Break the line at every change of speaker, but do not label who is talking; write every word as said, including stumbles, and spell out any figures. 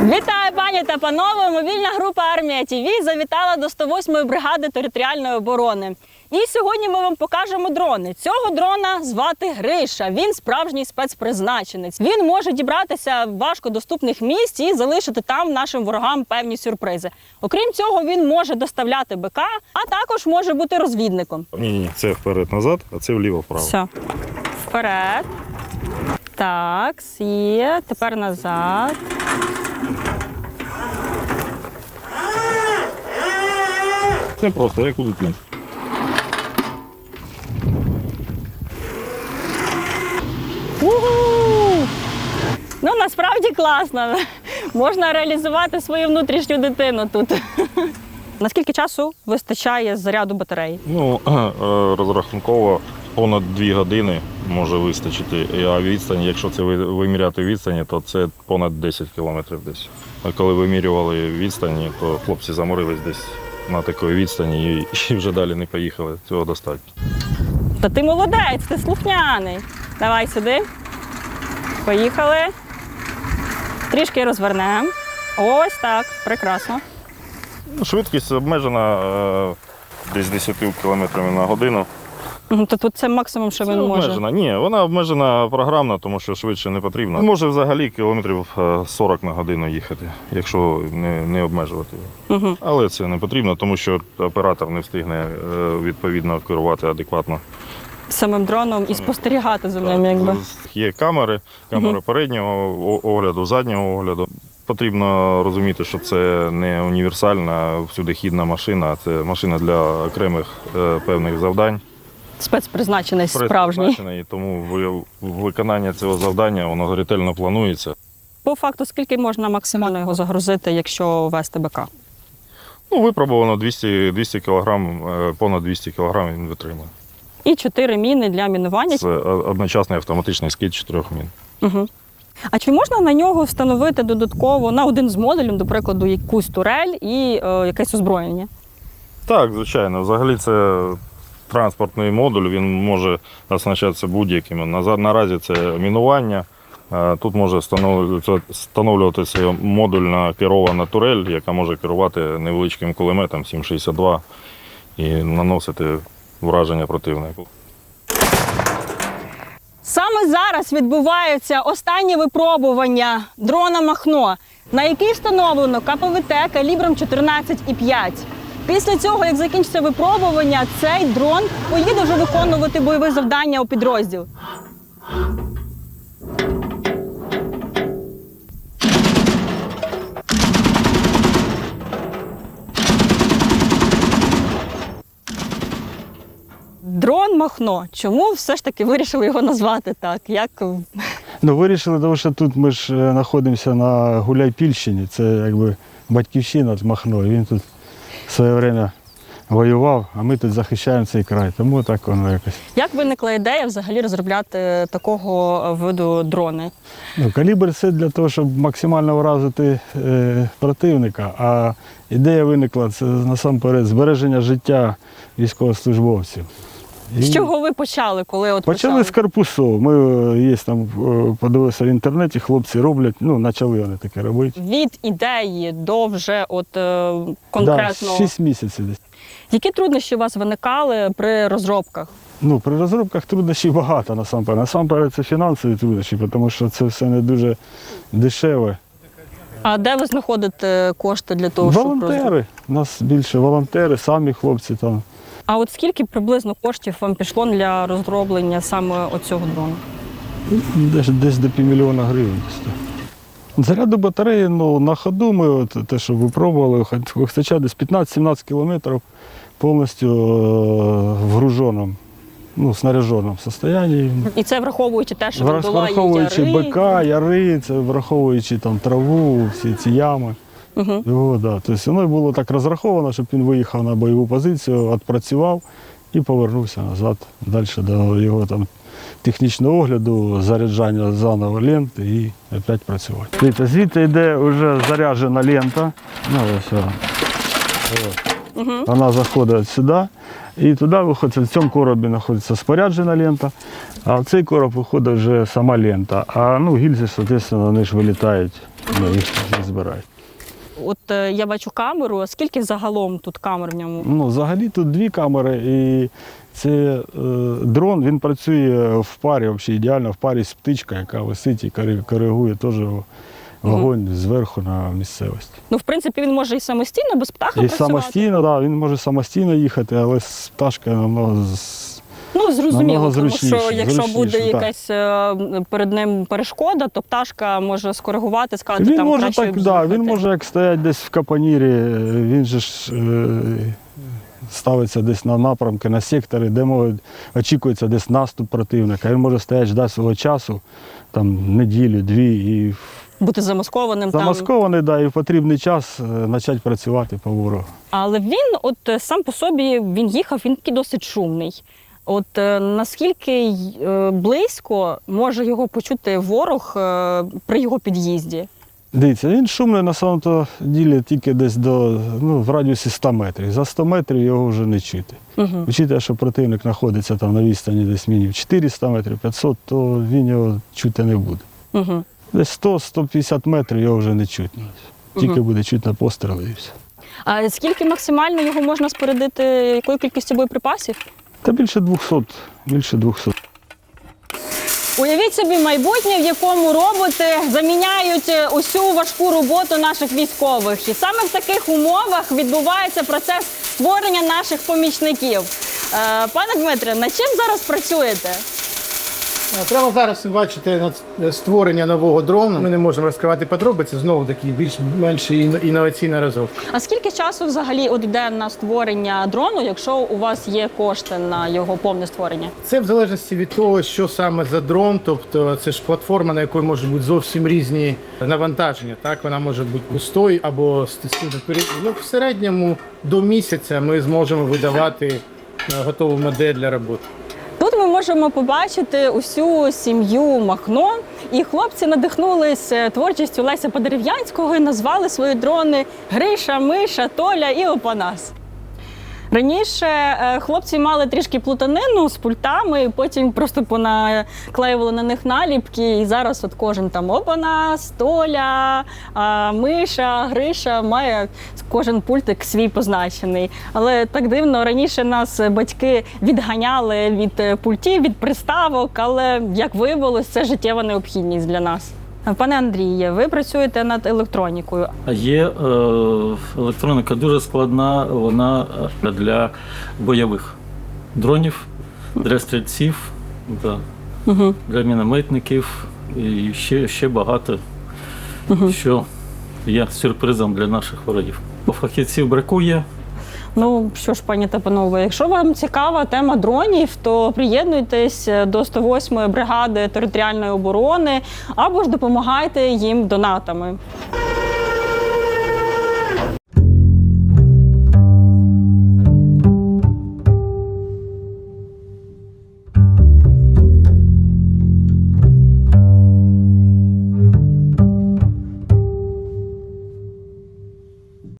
Вітаю, пані та панове! Мобільна група «Армія ТВ» завітала до сто восьмої бригади територіальної оборони. І сьогодні ми вам покажемо дрони. Цього дрона звати Гриша. Він справжній спецпризначенець. Він може дібратися в важкодоступних місць і залишити там нашим ворогам певні сюрпризи. Окрім цього, він може доставляти БК, а також може бути розвідником.
Ні-ні, це вперед-назад, а це вліво-вправо.
Все. Вперед. Так, є. Тепер назад.
Це просто як у дитини.
У-ху! Ну, насправді класно. Можна реалізувати свою внутрішню дитину тут. Наскільки часу вистачає з заряду батареї?
Ну, розрахунково понад дві години може вистачити. А відстань, якщо це виміряти відстані, то це понад десять кілометрів десь. А коли вимірювали відстані, то хлопці заморились десь на такій відстані і, і вже далі не поїхали. Цього достатньо.
Та ти молодець, ти слухняний. Давай сюди. Поїхали. Трішки розвернемо. Ось так, прекрасно.
Швидкість обмежена е, десь десять кілометрів на годину.
То тут це максимум, що він може?
Обмежена. Ні, вона обмежена програмно, тому що швидше не потрібно. Може взагалі кілометрів сорок на годину їхати, якщо не, не обмежувати його.
Угу.
Але це не потрібно, тому що оператор не встигне відповідно керувати адекватно.
Самим дроном і спостерігати за ним, якби.
Є камери, камери
Угу.
переднього огляду, заднього огляду. Потрібно розуміти, що це не універсальна всюдихідна машина, це машина для окремих е, певних завдань.
Спецпризначений справжній.
Тому виконання цього завдання воно ретельно планується.
По факту, скільки можна максимально його загрузити, якщо вести БК?
Ну, випробовано двісті, двісті кілограм, понад двісті кілограм він витримує.
І чотири міни для мінування.
Це одночасний автоматичний скид чотирьох мін.
Угу. А чи можна на нього встановити додатково на один з модулів, до прикладу, якусь турель і е, якесь озброєння? Так,
звичайно. Взагалі це транспортний модуль, він може оснащатися будь-яким. Наразі це мінування. Тут може встановлюватися модульна керована турель, яка може керувати невеличким кулеметом сім шістдесят два і наносити враження противнику.
Саме зараз відбуваються останні випробування дрона «Махно», на який встановлено ка пе ве те калібром чотирнадцять і п'ять. Після цього, як закінчиться випробування, цей дрон поїде вже виконувати бойові завдання у підрозділ. Дрон «Махно». Чому все ж таки вирішили його назвати так? Як...
Ну, вирішили, тому що тут ми ж знаходимося на Гуляйпільщині, це якби батьківщина Махно, і він тут в своє время воював, а ми тут захищаємо цей край, тому так воно якось.
Як виникла ідея взагалі розробляти такого виду дрони?
Ну, калібр – це для того, щоб максимально вразити е, противника, а ідея виникла це насамперед збереження життя військовослужбовців. І
з чого ви почали, коли от
почали?
почали?
З корпусів. Ми є там, подивилися в інтернеті, хлопці роблять, ну, почали вони таке робити.
Від ідеї до вже от е, конкретного.
Да, шість місяців десь.
Які труднощі у вас виникали при розробках?
Ну, при розробках труднощів багато насамперед. Насамперед це фінансові труднощі, тому що це все не дуже дешеве.
А де ви знаходите кошти для того, щоб розробити?
Волонтери. У нас більше волонтери, самі хлопці там.
А от скільки приблизно коштів вам пішло для розроблення саме оцього дрону?
Десь, десь до півмільйона гривень. Заряду батареї, ну, на ходу ми от, те, що випробували, хоча десь п'ятнадцять-сімнадцять кілометрів повністю в груженому, ну, снаряженому стані.
І це враховуючи те, що він долає
враховуючи
яри?
БК, яри, це враховуючи там траву, всі ці ями.
Угу.
Його, да. Тобто воно було так розраховано, щоб він виїхав на бойову позицію, відпрацював і повернувся назад, далі до його там технічного огляду, заряджання заново ленти і опять працювати. Дивіться, звідти йде вже заряджена лента. Ну, ось, ось. Вона заходить сюди і туди виходить, в цьому коробі знаходиться споряджена лента, а в цей короб виходить вже сама лента. А ну, гільзи, звісно, вони ж вилітають, ну, їх не збирають.
От е, я бачу камеру, а скільки загалом тут камер в ньому?
Ну, взагалі тут дві камери, і це е, дрон, він працює в парі, взагалі ідеально в парі з птичкою, яка висить і кори- коригує теж вогонь зверху на місцевість.
Ну, в принципі, він може і самостійно, без птаха
І
працювати.
самостійно, так, він може самостійно їхати, але з пташкою намного з-
Ну, зрозуміло,
намного
тому що
зручніше,
якщо
зручніше,
буде
так.
якась е, перед ним перешкода, то пташка може скоригувати, сказати,
Він
там
може
краще
так, да, він
об'їхати.
може як стоять десь в капонірі, він же ж е, ставиться десь на напрямки, на сектори, де може, очікується десь наступ противника. Він може стояти ждати свого часу, там неділю, дві, і
Бути замаскованим там.
замаскований, да, і в потрібний час е, почати працювати по ворогу.
Але він, от е, сам по собі, він їхав, він такий досить шумний. От е, наскільки е, близько може його почути ворог е, при його під'їзді?
Дивіться, він шумний на самому ділі тільки десь до, ну, в радіусі ста метрів. За сто метрів його вже не чути.
Угу.
Учитывая, що противник знаходиться там на відстані десь мінімум чотириста метрів, п'ятсот, то він його чути не буде.
Угу.
Десь сто - сто п'ятдесят метрів його вже не чутно. Тільки
Мгм.
буде чутно постріли і все.
А скільки максимально його можна спорядити, якою кількістю боєприпасів?
Та більше двохсот, більше двохсот.
Уявіть собі майбутнє, в якому роботи заміняють усю важку роботу наших військових. І саме в таких умовах відбувається процес створення наших помічників. Е, Пане Дмитре, над чим зараз працюєте?
Прямо зараз ви бачите над- створення нового дрону. Ми не можемо розкривати подробиці, знову таки більш-менш іно- інноваційна розробка.
А скільки часу взагалі от йде на створення дрону, якщо у вас є кошти на його повне створення?
Це в залежності від того, що саме за дрон, тобто це ж платформа, на якій можуть бути зовсім різні навантаження. Так, вона може бути пустою або з ну, в середньому до місяця ми зможемо видавати е, готову модель для роботи.
Тут ми можемо побачити усю сім'ю Махно, і хлопці надихнулись творчістю Леся Подерев'янського і назвали свої дрони Гриша, Миша, Толя і Опанас. Раніше е, хлопці мали трішки плутанину з пультами, потім просто понаклеювали на них наліпки, і зараз от кожен там Опанас, Толя, а, Миша, Гриша має кожен пультик свій позначений. Але так дивно, раніше нас батьки відганяли від пультів, від приставок, але, як виявилось, це життєва необхідність для нас. Пане Андріє, ви працюєте над електронікою.
А є е, електроніка дуже складна, вона е, для бойових дронів, для стрільців, да,
Угу.
для мінометників і ще, ще багато, що є сюрпризом для наших ворогів. Фахівців бракує.
Ну що ж, пані та панове, якщо вам цікава тема дронів, то приєднуйтесь до сто восьмої бригади територіальної оборони або ж допомагайте їм донатами.